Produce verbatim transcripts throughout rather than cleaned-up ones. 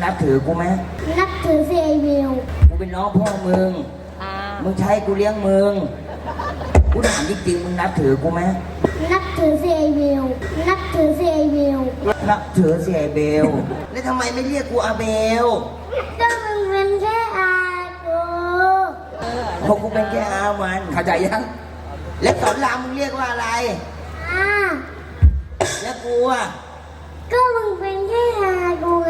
นับถือกูไหมนับถือสิไอวิวกูเป็นน้องพ่อมึงมึงใช้กูเลี้ยงมึงกูถามจริงๆมึงนับถือกูไหมนับถือสิไอวิวนับถือสิไอวิวนับถือสิไอเบลแล้วทำไมไม่เรียกกูอาเบลก็มึงเป็นแค่อากูเพราะกูเป็นแค่อามันเข้าใจยังแล้วสอนรามมึงเรียกว่าอะไรอาแล้วกูอ่ะก็มึงเป็นแค่อากูไง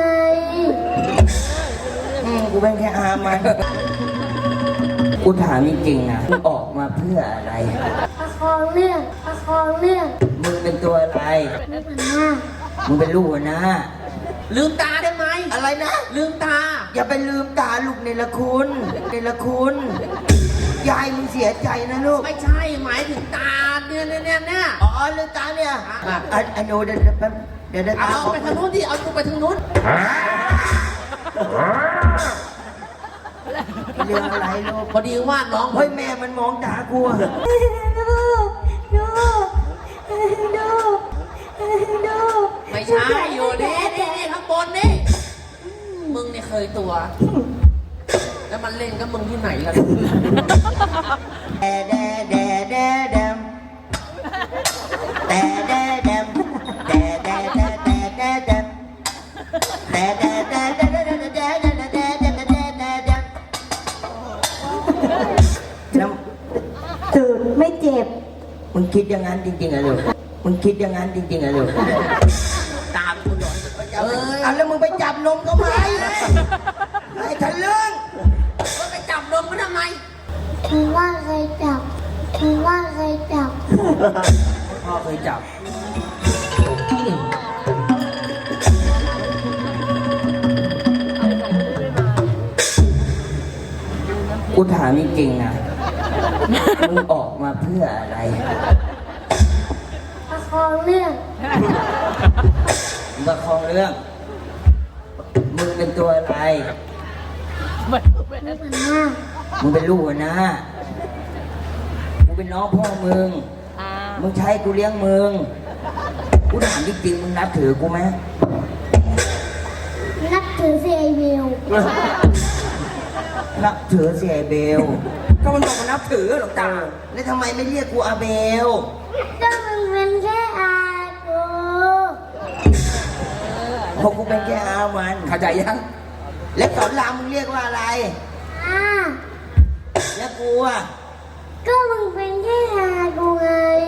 อืมกูเป็นแค่อามันกูถามจริงๆนะมึงออกมาเพื่ออะไรประคองเรื่องประคองเรื่องมึงเป็นตัวอะไรลูกหน้ามึงเป็นลูกนะลืมตาได้ไหมอะไรนะลืมตาอย่าไปลืมตาลูกในละคุณในละคุณยายมึงเสียใจนะลูกไม่ใช่หมายถึงตาเนี่ยเนี่ยเนี่ยเนี่ยอ๋อลืมตาเนี่ยอ่ะไอ้โนเดี๋ยวเดี๋ยวเดี๋ยวเอาไปทางนู้นดิเอาตัวไปทางนู้นเรื่องอะไรลูกพอดีว่าน้องเฮ้ยแม่มันมองตากูดูดูดูดูไม่ใช่อยู่นี่นี่นี่ข้างบนนี่มึงเนี่ยเคยตัวแล้วมันเล่นกับมึงที่ไหนล่ะแดแดแดแดแดมแดแดแดมแดแดแดแดแดแดมแดแดแดแดแดแดแดแดแดแดแดแดแดแดแดน้ำตื่นไม่เจ็บมึงคิดอย่างนั้นจริงๆเหรอลูกมึงคิดอย่างนั้นจริงๆเหรอลูกตามกูหน่อยเอออ่ะแล้วมึงไปจับนมเขาไหมไอ้ทะลึ่งมึงไปจับนมเขาทำไมมึงว่าใครจับมึงว่าใครจับพ่อเคยจับกูถามจริงๆนะมึงออกมาเพื่ออะไรประคองเรื่องมึงประคองเรื่องมึงเป็นตัวอะไรลูกหน้ามึงเป็นลูกนะกูเป็นน้องพ่อมึงมึงใช้กูเลี้ยงมึงกูถามจริงๆมึงนับถือกูไหมนับถือสิไอวิวนับถือสิไอเบลก็มันบอกว่านับถือหรอกตาแล้วทำไมไม่เรียกกูอาเบลก็มึงเป็นแค่อากูเพราะกูเป็นแค่อามันเข้าใจยังแล้วสอนรามมึงเรียกว่าอะไรอาแล้วกูอ่ะก็มึงเป็นแค่อากูไง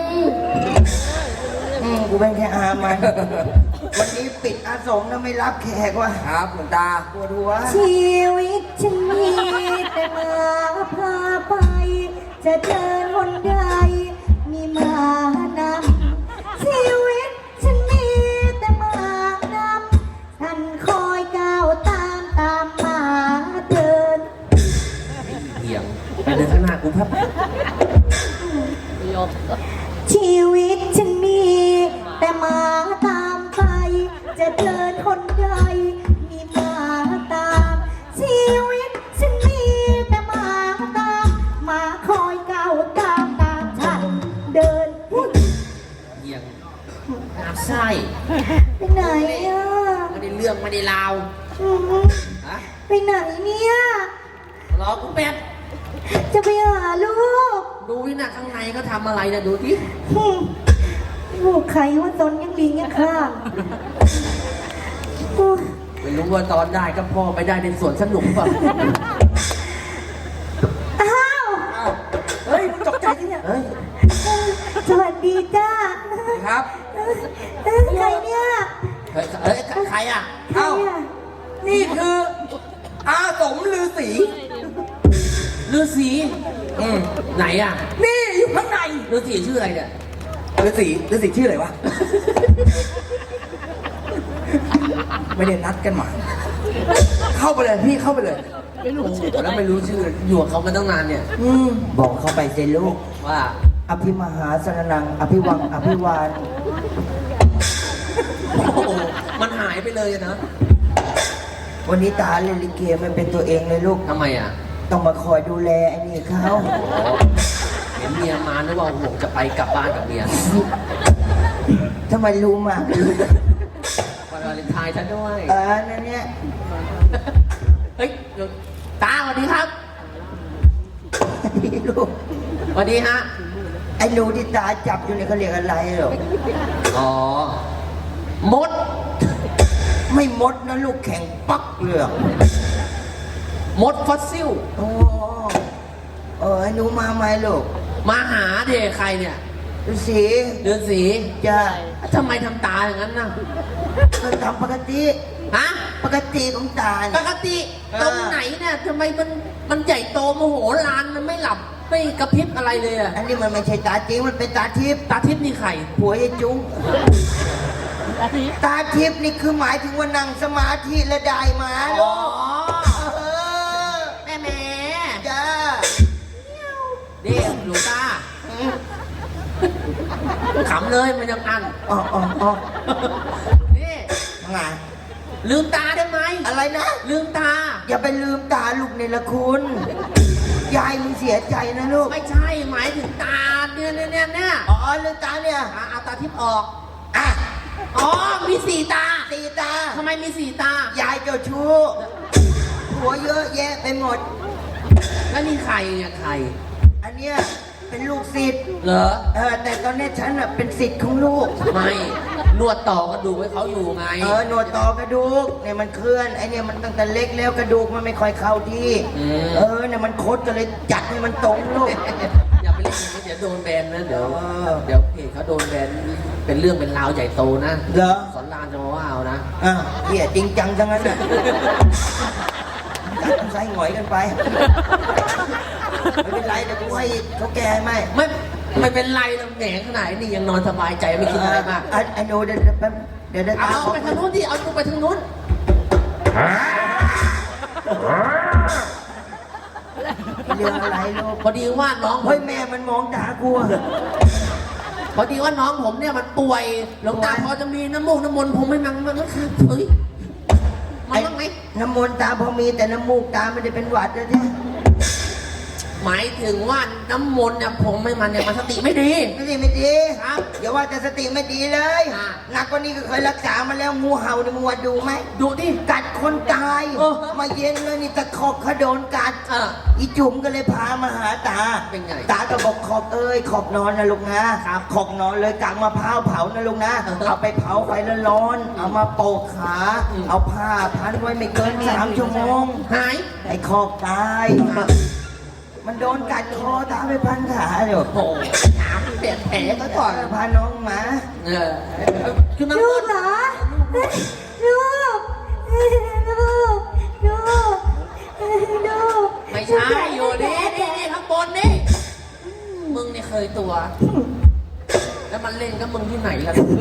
อืมกูเป็นแค่อามันวันนี้ปิดอาสมนะไม่รับแขกว่ะครับหลวงตาปวดหัวชีวิตฉันมีแต่มาพาไปจะเดินบนใดมีมานำชีวิตฉันมีแต่มานำฉันคอยก้าวตามตามมาเดินเหี่ยงไปเดินข้างหน้ากูพับชีวิตฉันมีแต่มาตามไปจะเดินคนใดมีมาตามชีวิตฉันมีแต่มาตามมาคอยก้าวตามตามฉันเดินเหี่ยงน้ำไส้ไปไหนอ่ะไม่ได้เรื่องไม่ได้ราวไปไหนเนี่ยรอกูแป๊บจะไปหาลูกดูวินาข้างในก็ทำอะไรนะดูที่ลูกใครว่าตนยังลิงยังข้ามไม่รู้ว่าตอนได้ก็พ่อไปได้ในสวนสนุกป่ะอ้าวเฮ้ยตกใจที่เนี่ยเฮ้ยสวัสดีจ้าครับใครเนี่ยเฮ้ยเฮ้ยใครอ่ะเอ้านี่คืออาสมฤาษีฤาษีอืมไหนอ่ะนี่อยู่ข้างในฤาษีชื่ออะไรเนี่ยฤาษีฤาษีชื่ออะไรวะไม่ได้นัดกันมาเข้าไปเลยพี่เข้าไปเลยไม่รู้แล้วไม่รู้ชื่ออยู่กับเขามาตั้งนานเนี่ยอืมบอกเขาไปเจลูกว่าอภิมหาสนนังอภิวังอภิวานโอ้มันหายไปเลยนะวันนี้ตาเล่นลิเกไม่เป็นตัวเองเลยลูกทำไมอ่ะต้องมาคอยดูแลไอ้นี่เขาเห็นเมียมานึกว่าผมจะไปกลับบ้านกับเมียทำไมรู้มากเลยวันวาเลนถ่ายฉันด้วยเออนั่นเนี่ยเฮ้ยเดี๋ยวตาสวัสดีครับนี่ลูกสวัสดีฮะไอ้หนูที่ตาจับอยู่เนี่ยเขาเรียกอะไรหรออ๋อมดไม่มดนะลูกแข่งปักเลือกมดฟอสซิลโอ้เออไอ้หนูมาไหมลูกมาหาเด็กใครเนี่ยฤาษีเดือนสีจะทำไมทำตาอย่างนั้นน่ะก็ทำปกติฮะปกติของตาปเนี่ยกติเออตรงไหนเนี่ยทำไมมันมันใหญ่โตโมโหลานมันไม่หลับไม่กระพริบอะไรเลยอะอันนี้มันไม่ใช่ตาจริงมันเป็นตาทิพย์ตาทิพย์นี่ใครผัวไอ้จุ้งตาทิพย์นี่คือหมายถึงว่านั่งสมาธิและได้มาอ๋ลูอกเออแม่แม่จ้าเด็กหลวงตาขำเลยมันยังอันอ๋ออ๋ออ๋อนี่ไงลืมตาได้ไหมอะไรนะลืมตาอย่าไปลืมตาลูกในละคุณยายมึงเสียใจนะลูกไม่ใช่หมายถึงตาเนี่ยเนี่ยเนี่ยเนี่ยอ๋อลืมตาเนี่ยอ่ะเอาตาทิพย์ออกอ่ะอ๋อมีสี่ตาตีตาทำไมมีสี่ตายายเจ้าชู้หัวเยอะแยะไปหมดแล้วนี่ใครเนี่ยใครอันเนี้ยเป็นลูกศิษย์เหรอเออแต่ตอนนี้ฉันน่ะเป็นศิษย์ของลูกไม่นวดต่อกระดูกให้เขาอยู่ไงเออหนวดต่อกระดูกเนี่ยมันเคลื่อนไอเนี่ยมันตั้งแต่เล็กแล้วกระดูกมันไม่ค่อยเข้าที่อืมเออเนี่ยมันคดก็เลยจัดให้มันตรงลูกอย่าไปเล่นอย่างนี้เดี๋ยวโดนแบนนะเดี๋ยวเออเดี๋ยวเพจเขาโดนแบนเป็นเรื่องเป็นราวใหญ่โตนะเหรอสอนรามจะมาว่าเอานะอ่ะเหี้ยจริงจังทั้งนั้นน่ะจัดใส่หงอยกันไปไม่เป็นไรเดี๋ยวกูให้เขาแก้ให้ไหมไม่ไม่เป็นไรนะแหนขนาดนี้ยังนอนสบายใจไม่คิดอะไรมากเอ่อไอ้หนูเดี๋ยวเดี๋ยวแป๊บเดี๋ยวเดี๋ยวเอาตาขอไปทางนู้นที่เอาตัวไปทางนู้นเรื่องอะไรลูกพอดีว่าน้องผเฮ้ยมแม่มันมองตากูอะพอดีว่าน้องผมเนี่ยมันป่วยหลวงตาป่วยพอจะมีน้ำมูกน้ำมนต์ผมไม่มังมันก็คือเฮ้ยมันบ้างไหมน้ำมนต์ตาพอมีแต่น้ำมูกตาไม่ได้เป็นหวัดนะจ๊ะหมายถึงว่าน้ำมนต์เนี่ยผมไม่มันเนี่ยมันสติไม่ดีไม่ดีไม่ดีครับอย่าว่าแต่สติไม่ดีเลยอ่ะหนักกว่านี้ก็เคยรักษามาแล้วงูเห่าเนี่ยมึงว่าดูไหมดูดิกัดคนตายเออมาเย็นเลยนี่ตะขอบเขาโดนกัดเอออีจุ๋มก็เลยพามาหาตาเป็นไงตาก็บอกขอบเอ้ยขอบนอนนะลูกนะครับ ขอบนอนเลยกางมะพร้าวเผานะลูกนะเออเอาไปเผาไฟร้อนๆเอามาโปะขาอืมเอาผ้าพันไว้ไม่เกินสามชั่วโมงหายไอ้ขอบตาย มันโดนกัดคอตาไปพันขาเดี๋ยวโอ้โหถามเปลี่ยนแผลก็ก่ก่ออน นพาน้องมาเออคือน้ำลูมกนต์เหรอลูกลูกลูกลูกไม่ใช่อยู่นี่นี่นี่ข้างบนนี่มึงนี่เคยตัว แล้วมันเล่นกับมึงที่ไหนล่ะลูก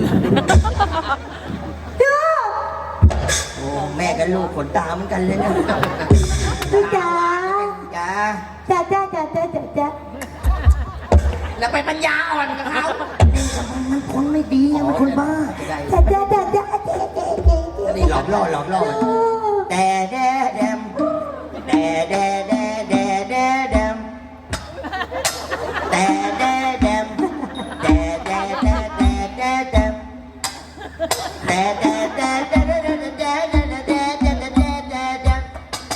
โอ้แม่กับลูกขนตาเหมือนกันเลยนะลูกจ๋าจ้าจ๋าจ๋าจ๋าจ๋าจ๋าจ๋าแล้วไปปัญญาอ่อนกับเขามันคนไม่ดีอะมันคนบ้าจ๋าจ๋าจ๋าจ๋าเจ๊เจ๊เจ๊เจ๊นี่หลอกล่อหลอกล่อแต่แดแดมแต่แดแดแดแดแดมแต่แดแดมแต่แดแดแดแดแดมแต่แดแดแดแดแดแดแดแดแดแดแดแดแดม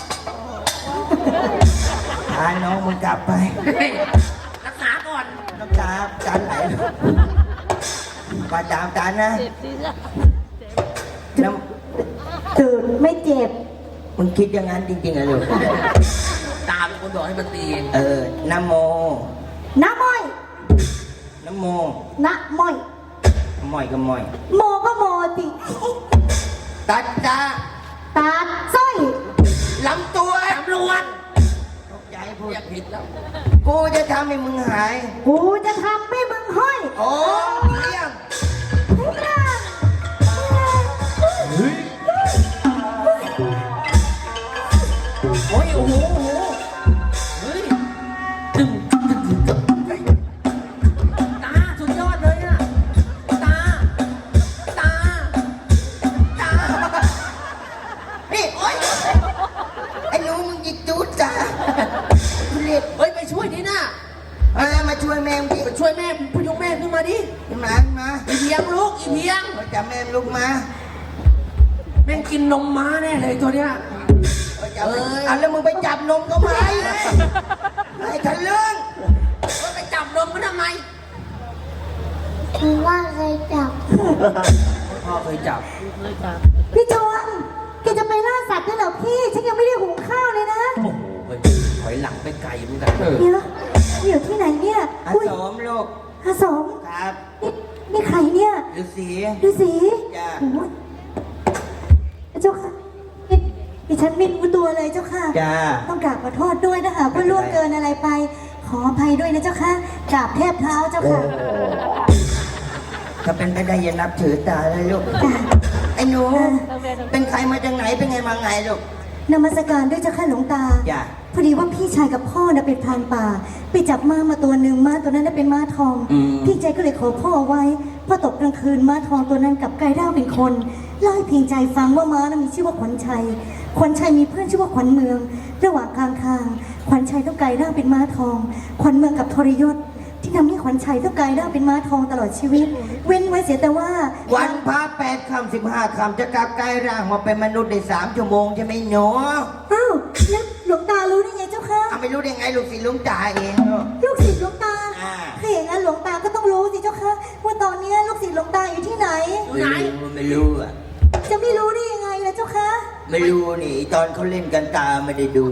พาน้องมึงกลับไปรักษาก่อนน้ำตาจานไหลมาตามจานนะน้ตื่นไม่เจ็บำมึงคิดอย่างนั้นจริงๆเหรอลูกตาเป็นคนบอกให้มันตีเออนะโมน้ำม้อยนะโมน้ำม้อยมอยก็มอยโมก็โมสิตัดตาตาสร้อยลำตัวตำรวจตกใจพูดเรียกผิดแล้วกูจะทำให้มึงหายกูจะทำให้มึงห้อยโอ้เลี้ยงโอ้ยโอ้โหโอ้โหเฮ้ยดึงดึงดึงดึงเฮ้ยตาสุดยอดเลยอ่ะตาตาตานี่โอ๊ยไอ้หนูมึงจิกจูดจ้าเรียกเฮ้ยไปช่วยดิน่ะมามาช่วยแม่มึงดิไปช่วยแม่พยุงแม่ขึ้นมาดิขึ้นมาขึ้นมาอีเพียงลูกอีเพียงมาจับแม่มึงลุกมาม่งกินนมม้าแน่เลยตัวเนี้ยเอออ่ะแล้วมึงไปจับนมเขาไหมไอ้ทะลึ่งว่าไปจับนมมันทำไมคือว่าเคยจับพ่อเคยจับพี่จวนแกจะไปล่าสัตว์ด้วยเหรอพี่ ฉันยังไม่ได้หุงข้าวเลยนะโอ้โหเฮ้ยถอยหลังไปไกลเหมือนกันเดี๋ยวอยู่ที่ไหนเนี่ยอาอุ้ยสมลูกอาสมครับนี่นี่ใครเนี่ยฤาษีดูสิจ้ะโอ้ยเจ้าค่ะนี่ดิฉันไม่รู้ตัวเลยเจ้าค่ะจ้าต้องกราบขอโทษด้วยนะคะว่าล่วงเกินอะไรไป ขออภัยด้วยนะเจ้าค่ะกราบแทบเท้าเจ้าโอ้ค่ะถ้าเป็นไปได้อย่านับถือตาเลยลูกจ้ะไอ้หนู เป็นใครมาจากไหน เป็นไงมาไงลูกนมัสการด้วยเจ้าค่ะหลวงตาจ้ะพอดีว่าพี่ชายกับพ่อน่ะเป็นพรานป่า ไปจับม้ามาตัวหนึ่งม้าตัวนั้นน่ะเป็นม้าทองอืมพี่ใจก็เลยขอพ่อเอาไว้พอตกกลางคืนม้าทองตัวนั้นกลับกลายร่างเป็นคนเล่าให้เพียงใจฟังว่าม้านั้นมีชื่อว่าขวัญชัย ขวัญชัยมีเพื่อนชื่อว่าขวัญเมือง ระหว่างกลางทาง ขวัญชัยต้องกลายร่างเป็นม้าทอง ขวัญเมืองกับทรยศ ที่ทำให้ขวัญชัยต้องกลายร่างเป็นม้าทองตลอดชีวิต เว้นไว้เสียแต่ว่าวันพระแปดคำสิบห้าคำจะกลับกลายร่างมาเป็นมนุษย์ได้สามชั่วโมงใช่ไหมหนูอ้าวแล้วหลวงตารู้ได้ไงเจ้าคะอ่ะไม่รู้ได้ไงลูกศิษย์ลุงจ่าเองลูกลูกศิษย์หลวงตาอ่าถ้าอย่างนั้นหลวงตาก็ต้องรู้สิเจ้าคะว่าตอนนี้ลูกศิษย์หลวงตาอยู่ที่ไหนไหนไม่รู้อ่ะจะไม่รู้ได้ยังไงล่ะเจ้าคะไม่รู้นี่ตอนเขาเล่นกันตาไม่ได้ดู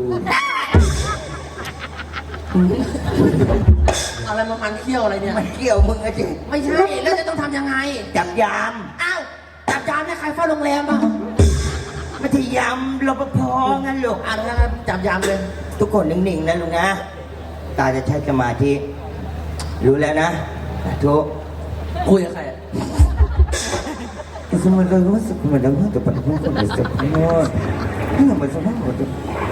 อะไรมามันเขี้ยวอะไรเนี่ยมันเกี่ยวมึงอะจิไม่ใช่ แล้วจะต้องทำยังไงจับยามอ้าวจับจานเนี่ยใครเฝ้าโรงแรมอ่ะไม่ใช่ยามรปภงั้นลูกอ่ะงั้นจับยามเลยทุกคนนิ่งๆนะลุงนะ ตาจะใช้สมาธิ รู้แล้วนะทุกคุยกับใครอะสมมติเรารู้สึกเหมือนเราจะปฏิบัติคนอื่นสักคนนี่มันสมมติว่า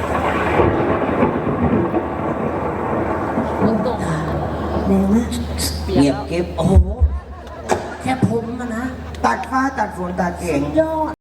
แรงมากเงียบเก็บโอ้โห แค่ผมอะนะตัดฟ้าตัดฝนตัดเก่งยอด